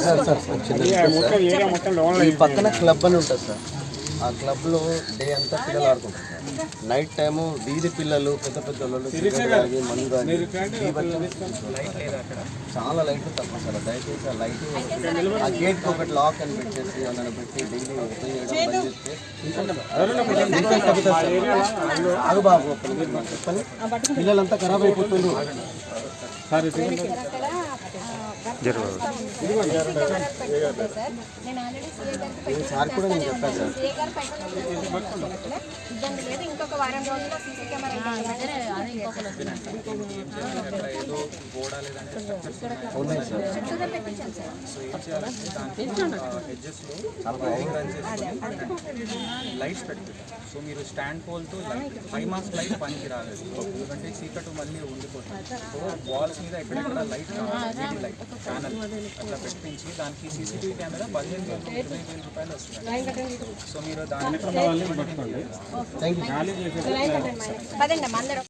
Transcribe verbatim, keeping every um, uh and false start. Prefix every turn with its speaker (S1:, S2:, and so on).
S1: Sir sir ఈ పక్కన club అని ఉంటుంది సార్. ఆ క్లబ్లో డే అంతా పిల్లలు ఆడుకుంటారు సార్. నైట్ టైము వీధి పిల్లలు పెద్ద పెద్ద వాళ్ళు తాగి మందు తాగి చాలా లైట్లు తక్కువ సార్. దయచేసి ఆ లైట్ ఆ గేట్కి ఒకటి లాక్ అని పెట్టేసి వాళ్ళని పెట్టి డైలీ ఓపెన్ చేయడం బంద్ చేస్తే ఆగు బాబు చెప్పండి. పిల్లలంతా ఖరాబ్ అయిపోతుంది సార్. సార్ కూడా నేను చెప్పాను సార్.
S2: ఇంకొక వారం రోజుల్లో సీసీ కెమెరా
S3: లైట్స్ పెట్టుకుంటాం. సో మీరు స్టాండ్ పోల్తో లైట్ ఫైవ్ మార్క్స్ లైట్ పనికి రాలేదు, ఎందుకంటే చీకటి మళ్ళీ ఉండిపోతుంది. సో వాల్స్ మీద ఎక్కడెక్కడ లైట్ వీడి లైట్ ప్యానల్ అట్లా పెట్టించి దానికి సీసీటీవీ కెమెరా పదిహేను వేలు ఇరవై వేల రూపాయలు వస్తుంది. సో మీరు దాని